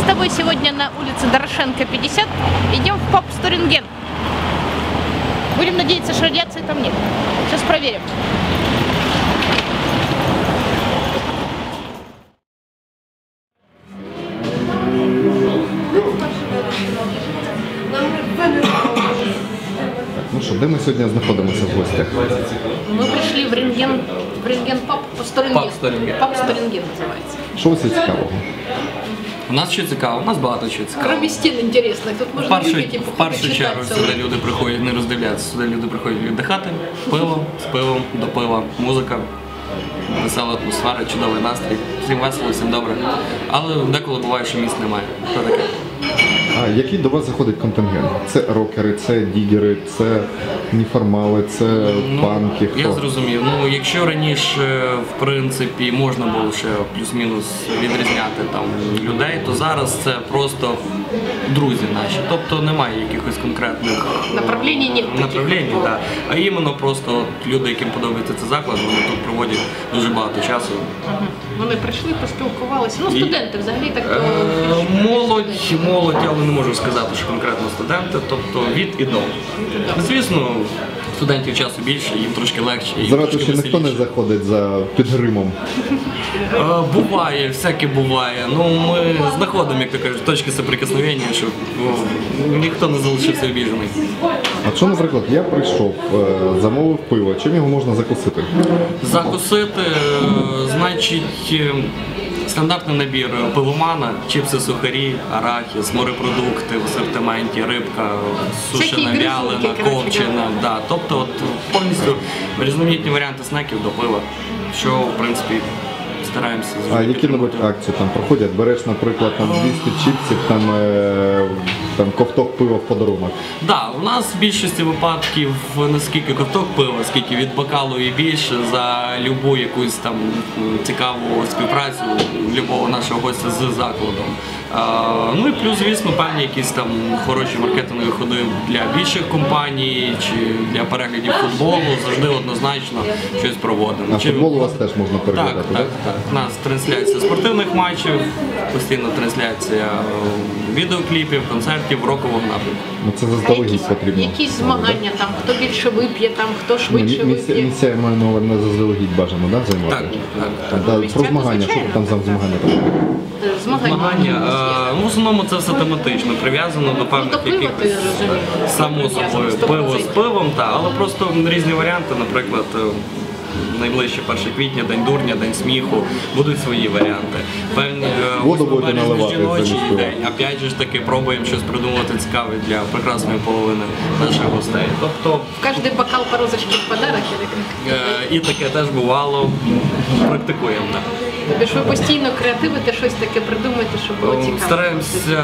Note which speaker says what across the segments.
Speaker 1: тобой сегодня на улице Дорошенко, 50. Идем в паб Сторинген. Будем надеяться, что радиации там нет. Сейчас проверим.
Speaker 2: Ну що, де ми сьогодні знаходимося в гостях?
Speaker 1: Мы пришли в Рентген паб Сторинген. Паб Сторинген называется.
Speaker 2: Що ось цікавого?
Speaker 3: У нас що цікаво, у нас багато чого цікавого.
Speaker 1: Кроме стен интересных, тут можно увидеть
Speaker 3: В першу чергу сюди люди приходять не роздивлятися, сюди люди приходять віддихати, пиво, з пивом, до пива, музика, весела атмосфера, чудовий настрій, всім весело, всім добре. Але деколи буває, що місць немає. Що таке?
Speaker 2: А який до вас заходить контингент? Це рокери, це дігери, це неформали, це панки, хто?
Speaker 3: Я зрозумів. Ну, якщо раніше, в принципі, можна було ще плюс-мінус відрізняти там людей, то зараз це просто друзі наші. Тобто немає якихось конкретних
Speaker 1: направлений, нет
Speaker 3: направлень, да. А іменно просто от люди, яким подобається цей заклад, вони тут проводять дуже багато часу.
Speaker 1: Вони прийшли, поспілкувалися. Ну, студенти взагалі так.
Speaker 3: Молодь, але не можу сказати, що конкретно студенти, тобто від і до. Звісно, студентів часу більше, їм трошки легше.
Speaker 2: Зразу ще ніхто не заходить за під гримом.
Speaker 3: Буває, всяке буває. Ну, ми знаходимо, як то кажуть, точки соприкосновення, щоб ніхто не залишився обіжений.
Speaker 2: А що, наприклад, я прийшов, замовив пиво, чим його можна закусити?
Speaker 3: Закусити, значить, стандартний набір пивомана, чіпси, сухарі, арахіс, морепродукти в асортименті, рибка, сушена, вялена, копчена. Да. Тобто от, повністю різноманітні варіанти снеків до пива, що в принципі стараємося зробити.
Speaker 2: А які-небудь акції там проходять? Береш, наприклад, там 200 чіпсів, там ковток пива в подарунок.
Speaker 3: Так, у нас в більшості випадків не скільки ковток пива, скільки від бокалу і більше за любу якусь там цікаву співпрацю любого нашого гостя з закладом. Ну і плюс, звісно, певні якісь там хороші маркетингові ходи для більших компаній чи для переглядів футболу, завжди однозначно щось проводимо.
Speaker 2: А футбол у вас теж можна переглядати,
Speaker 3: так? Так. У нас трансляція спортивних матчів, постійна трансляція відеокліпів, концертів, рокового напрямку.
Speaker 2: Ну це заздалегідь потрібно.
Speaker 1: Якісь змагання, там, хто більше вип'є, там, хто швидше вип'є.
Speaker 2: Місця, я маю на увазі, заздалегідь бажано, да, займати?
Speaker 3: Так.
Speaker 2: Про змагання, що там за змагання?
Speaker 3: Змагання, в основному це все тематично, прив'язано до певних якихось, само собою, пиво з пивом, але просто різні варіанти, наприклад, найближче 1 квітня, День дурня, День сміху, будуть свої варіанти. Певні жіночий день, опять же таки пробуємо щось придумати цікаве для прекрасної половини наших гостей. Тобто
Speaker 1: в кожний бокал по розочці в подарок.
Speaker 3: І таке теж бувало, практикуємо.
Speaker 1: Тобто ж ви постійно креативите, щось таке придумаєте, щоб було цікаво?
Speaker 3: Стараємося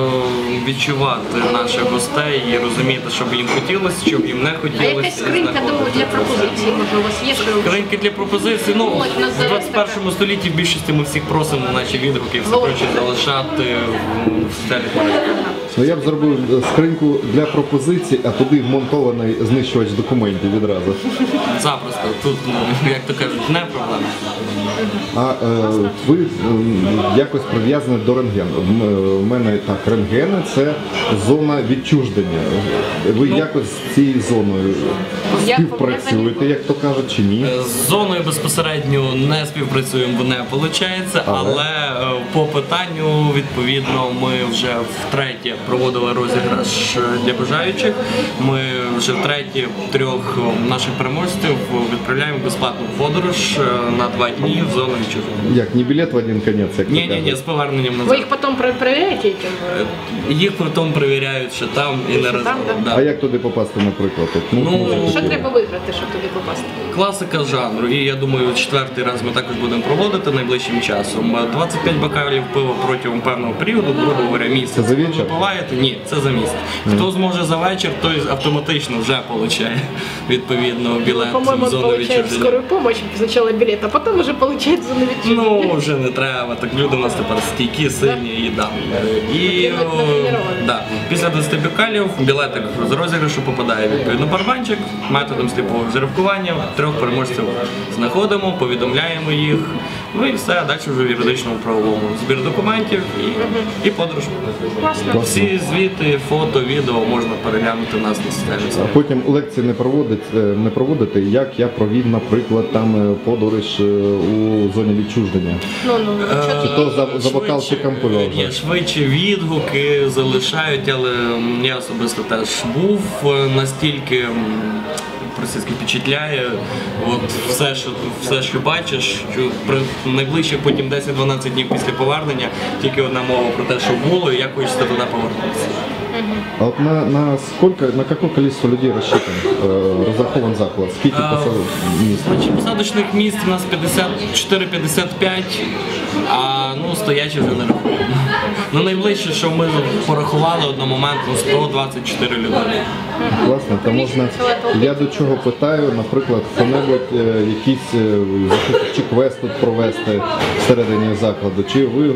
Speaker 3: відчувати наших гостей і розуміти, що б їм хотілося, що б їм не хотілося.
Speaker 1: А якась скринька для пропозицій, може, у вас є?
Speaker 3: Скриньки для пропозицій? Ну, в 21 столітті в більшості ми всіх просимо наші відгуки, все проче залишати в соціальних мережах.
Speaker 2: Ну, я б зробив скриньку для пропозицій, а туди вмонтований знищувач документів відразу.
Speaker 3: Запросто. Тут, як то кажуть, не проблема.
Speaker 2: А ви якось прив'язані до рентгену. У мене так, рентгени – це зона відчуження. Ви якось з цією зоною співпрацюєте, як то кажуть, чи ні?
Speaker 3: З зоною безпосередньо не співпрацюємо, не виходить, але по питанню, відповідно, ми вже втретє проводили розіграш для бажаючих. Ми вже втретє 3 наших переможців відправляємо в безплатну подорож на 2 дні в зону відчуження.
Speaker 2: Як, не білет в один кінець, як то кажуть?
Speaker 3: Ні, з поверненням назад.
Speaker 1: Ви їх потім перевіряєте?
Speaker 3: Їх потім перевіряють, що там і не разом.
Speaker 2: А як туди попасти, наприклад?
Speaker 1: Що треба виграти, щоб туди попасти?
Speaker 3: Класика жанру. І я думаю, 4-й раз ми також будемо проводити найближчим часом. 25 бокалів пива протягом певного періоду, грубо говоря, місяць.
Speaker 2: Це за вечір?
Speaker 3: Ви випиваєте? Ні, це за місяць. Хто зможе за вечір, той автоматично вже отримає, відповідно, білет в зону відчуження.
Speaker 1: Скорую помощь, спочатку білет, а потім вже отримує зону відчуження.
Speaker 3: Ну, вже не треба. Так люди у нас тепер стійкі, сильні і да. І після 20 бокалів білетик з розіграшу попадає відповідно барабанчик, методом сліпого жеребкування, 3 переможців знаходимо, повідомляємо їх, Ну і все, а далі вже в юридичному правовому. Збір документів і подорож.
Speaker 1: Классно.
Speaker 3: Всі звіти, фото, відео можна переглянути у нас на
Speaker 2: А
Speaker 3: системі.
Speaker 2: потім лекції не проводити, як я провів, наприклад, там подорож у зоні відчуждення.
Speaker 1: Ну,
Speaker 2: Чи то за бокалчиком пива вже?
Speaker 3: Ні, швидше відгуки залишають, але я особисто теж був настільки російський впечатляє, от все, що бачиш, що при найближче потім 10-12 днів після повернення тільки одна мова про те, що було, і як хочеться туди повернутися.
Speaker 2: А от на какое количество людей рассчитан, разрахован заклад? Скільки місць?
Speaker 3: Значить, посадочних місць у нас 54-55, а стоячі вже не рахуємо. Ну, найближче, що ми порахували одномоментно, 124 людини.
Speaker 2: Класно, то можна, я до чого питаю, наприклад, хто-небудь якийсь чи квест тут провести всередині закладу, чи ви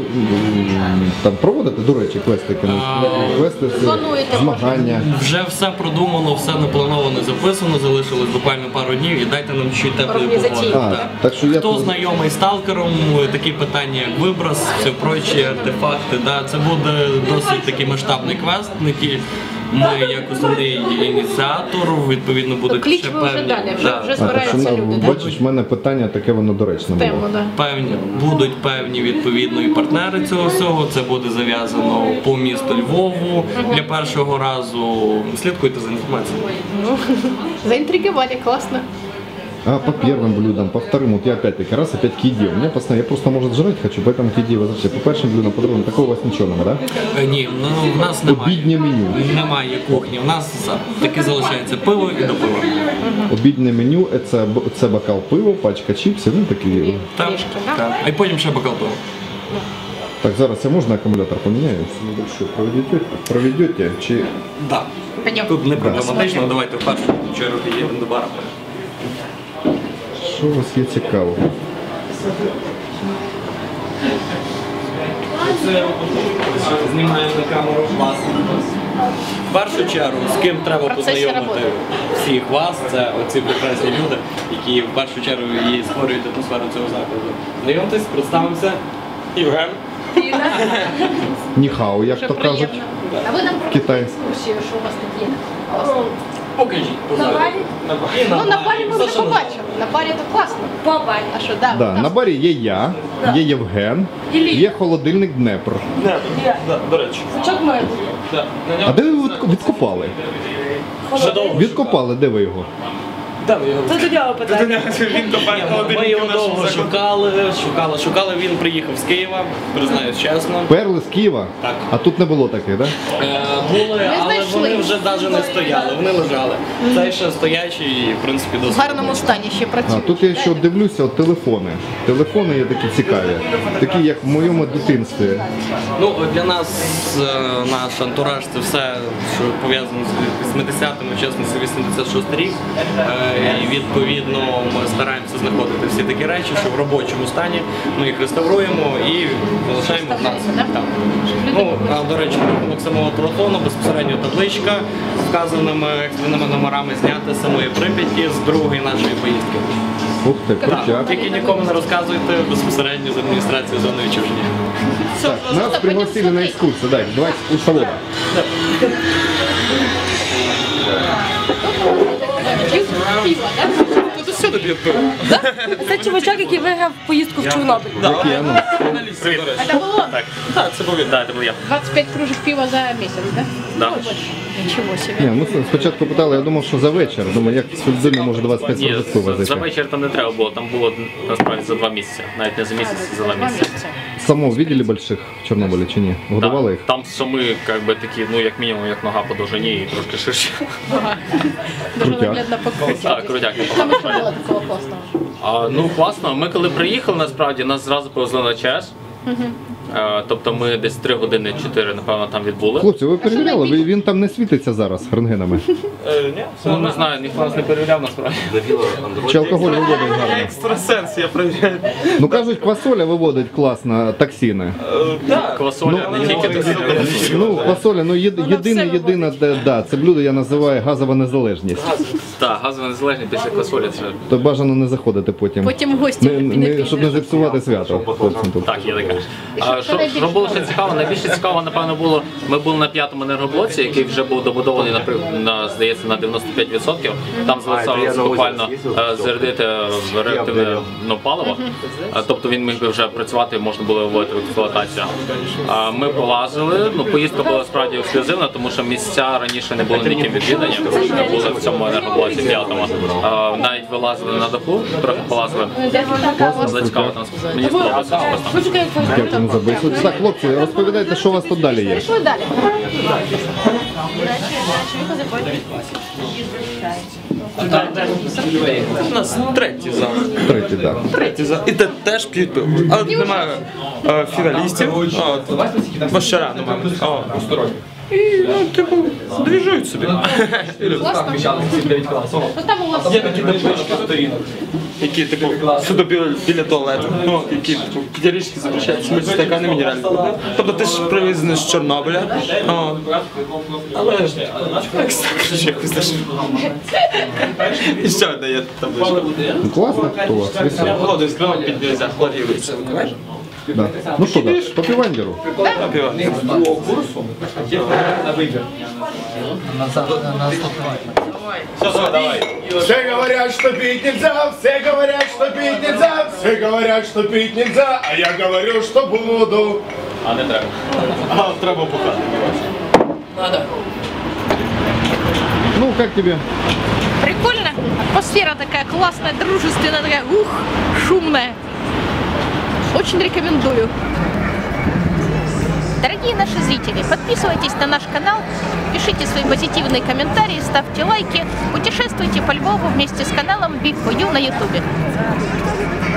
Speaker 2: там проводите, до речі, квести, квести, змагання?
Speaker 3: Вже все продумано, все наплановано, записано, залишилось буквально пару днів і дайте нам чуть теплої погоди.
Speaker 2: Так що я
Speaker 3: Хто
Speaker 2: тут-
Speaker 3: знайомий з сталкером, такі питання, як виброс, все прочі, артефакти, це буде досить такий масштабний квест, не ті ми як основний ініціатор, відповідно будуть
Speaker 1: Кліч
Speaker 3: ще
Speaker 1: ви вже
Speaker 3: певні.
Speaker 1: далі,
Speaker 3: Да.
Speaker 1: вже збираються люди, так?
Speaker 2: Бачиш, в мене питання таке, воно доречне
Speaker 1: Тему,
Speaker 2: було.
Speaker 1: да.
Speaker 3: Будуть певні відповідно і партнери цього всього. Це буде зав'язано по місту Львову для першого разу. Слідкуйте за інформацією.
Speaker 1: Заинтриговали, классно.
Speaker 2: А по первым блюдам, по вторым, вот я опять-таки раз опять киди. У меня постоянно, я просто, может, жрать хочу, поэтому киди вообще. По першим блюдам, по другим, такого у вас нічого нема, да?
Speaker 3: Ні, в нас немає.
Speaker 2: Обіднє меню.
Speaker 3: Немає кухні. У нас таки залишається пиво і до пива.
Speaker 2: Обіднє меню це бокал пива, пачка чіпсів, ну такі.
Speaker 3: Так,
Speaker 1: Трішки, да?
Speaker 3: так. А й потім ще бокал пива.
Speaker 2: Так, зараз я можна акумулятор поміняю? Небольшой проведете чи...
Speaker 3: Да.
Speaker 1: Пойдем.
Speaker 3: Тут не проблематично, давайте в першу чергу підійдемо до бара.
Speaker 2: Що у вас є цікаво?
Speaker 3: Це знімаємо на камеру вас. В першу чергу, з ким треба
Speaker 1: Процесі
Speaker 3: познайомити
Speaker 1: роботи.
Speaker 3: всіх вас, це оці прекрасні люди, які в першу чергу і створюють атмосферу цього закладу. Знайомтесь, представимося. Євген.
Speaker 2: Ніхау, як то кажуть.
Speaker 1: А ви нам
Speaker 2: Китай.
Speaker 1: екскурсію, що у вас тут є?
Speaker 3: Покажіть.
Speaker 1: На барі? Ну, на барі ми вже
Speaker 3: Все, що
Speaker 1: побачили. На барі то класно. По барі. А що, да?
Speaker 2: Да, на барі є я, є Євген, є холодильник Днепр.
Speaker 3: До речі.
Speaker 1: Сачок має.
Speaker 2: А де ви відкопали?
Speaker 3: Вже довго.
Speaker 2: Відкопали, де ви його?
Speaker 3: Де ви його?
Speaker 1: Це до нього питання.
Speaker 3: Ми його довго шукали, він приїхав з Києва, признаюсь чесно.
Speaker 2: Перли з Києва?
Speaker 3: Так.
Speaker 2: А тут не було таких, так?
Speaker 3: Були, але
Speaker 1: знайшли.
Speaker 3: вони вже навіть не стояли, вони лежали. Цей ще стоячий і, в принципі,
Speaker 1: В
Speaker 3: досить.
Speaker 1: гарному стані ще
Speaker 2: А
Speaker 1: працює.
Speaker 2: тут я ще дивлюся, от телефони. Телефони є такі цікаві. Такі, як в моєму дитинстві.
Speaker 3: Ну, для нас наш антураж це все, що пов'язано з 80-ми, чесно, це 86 рік. І відповідно ми стараємося знаходити всі такі речі, що в робочому стані ми їх реставруємо і залишаємо в нас.
Speaker 1: Да?
Speaker 3: Так. Ну, а, до речі, рахунок самого телефону, безпосередньо табличка з вказаними екстреними номерами зняти з самої Прип'яті з другої нашої поїздки.
Speaker 2: Ух ти,
Speaker 3: Так,
Speaker 2: крутяк.
Speaker 3: тільки нікому не розказуйте безпосередньо з адміністрації зони відчуження.
Speaker 2: Так, нас пригласили на екскурсію. Дай, давайте з курсовода.
Speaker 1: П'ють пиво, да?
Speaker 3: Тут усюди б'ють пиво.
Speaker 4: Це чувачок, який виграв поїздку в Чорнобиль.
Speaker 2: Який анонс?
Speaker 1: Это было
Speaker 3: Так, це був я.
Speaker 1: 25 кружек пива за месяц, да?
Speaker 3: Да.
Speaker 1: Ну, больше. Ничего себе.
Speaker 2: Ні, ну спочатку питали, я думав, що за вечір. Думаю, як з людини може 25
Speaker 5: Ні,
Speaker 2: років пива
Speaker 5: за
Speaker 2: зайти.
Speaker 5: вечір там не треба було, там було насправді за 2 місяці, навіть не за місяць, а за 2
Speaker 1: Два
Speaker 5: місяці.
Speaker 1: месяца.
Speaker 2: Самого видели больших в Чорнобилі чи ні? Годували їх?
Speaker 5: Там шами, як би такі, ну як мінімум, як нога по довжині і трошки ширше.
Speaker 1: Ага. Даже
Speaker 2: Крутяк.
Speaker 1: наглядно покрутить.
Speaker 5: Так, крутяк.
Speaker 1: Там еще было такого классного.
Speaker 5: Ну класно, ми коли приїхали, насправді нас зразу повезли на ЧАЕС. Тобто ми десь 3 години 4, напевно, там відбули.
Speaker 2: Хлопці, ви перевіряли? Він там не світиться зараз рентгенами.
Speaker 5: Ну не знаю, ніхто нас не перевіряв насправді.
Speaker 2: Чи алкоголь виводить гарно?
Speaker 3: Екстрасенс, я перевіряю.
Speaker 2: Ну кажуть, квасоля виводить класно токсини.
Speaker 5: Квасоля, не тільки такі.
Speaker 2: Ну, квасоля, ну єдине, да, це блюдо я називаю газова незалежність.
Speaker 5: Так, газово незалежні після квасолі це.
Speaker 2: То бажано не заходити потім.
Speaker 1: Потім в гості
Speaker 2: Щоб не зіпсувати свято хлопцям тут.
Speaker 5: Так, є таке. Що було ще цікаво? Найбільше цікаво, напевно, було, ми були на 5-му енергоблоці, який вже був добудований, здається, на 95%. Там залишалося буквально зарядити реактивне паливо. Тобто він міг би вже працювати, можна було вводити в експлуатацію. Ми полазили, поїздка була справді ексклюзивна, тому що місця раніше не були ніким відвідані, були в цьому енергоблоці 5-му. Навіть вилазили на даху, трохи полазили. Було цікаво там. Мені сподобалося особисто.
Speaker 2: Дякую за бесіду. Так, хлопці, розповідайте, що у вас тут далі є.
Speaker 1: Пішли далі.
Speaker 6: У нас третій зал.
Speaker 2: Третій, так.
Speaker 6: Третій зал. І де теж п'ють пиво. Але немає фіналістів. Бо ще рано, мабуть. І, двіжують собі. Є такі таблички сторінок, які суто біля туалету, які підярічки запрещають смерть стакани мінеральної води. Тобто ти ж привезений з Чорнобиля, але якось теж. І ще одна є табличка.
Speaker 2: Класно у вас, весело.
Speaker 6: Воду з кривом під нельзя, хлорірується.
Speaker 2: Да. Ну що, да, по півандеру.
Speaker 7: Все говорят, что пить нельзя, все говорят, что пить нельзя, все говорят, что пить нельзя, а я говорю, что буду.
Speaker 5: А не треба.
Speaker 6: Треба бухати.
Speaker 2: Ну, как тебе?
Speaker 1: Прикольно. Атмосфера такая классная, дружественная, такая, шумная. Очень рекомендую. Дорогие наши зрители, подписывайтесь на наш канал, пишите свои позитивные комментарии, ставьте лайки, путешествуйте по Львову вместе с каналом Big4U на YouTube.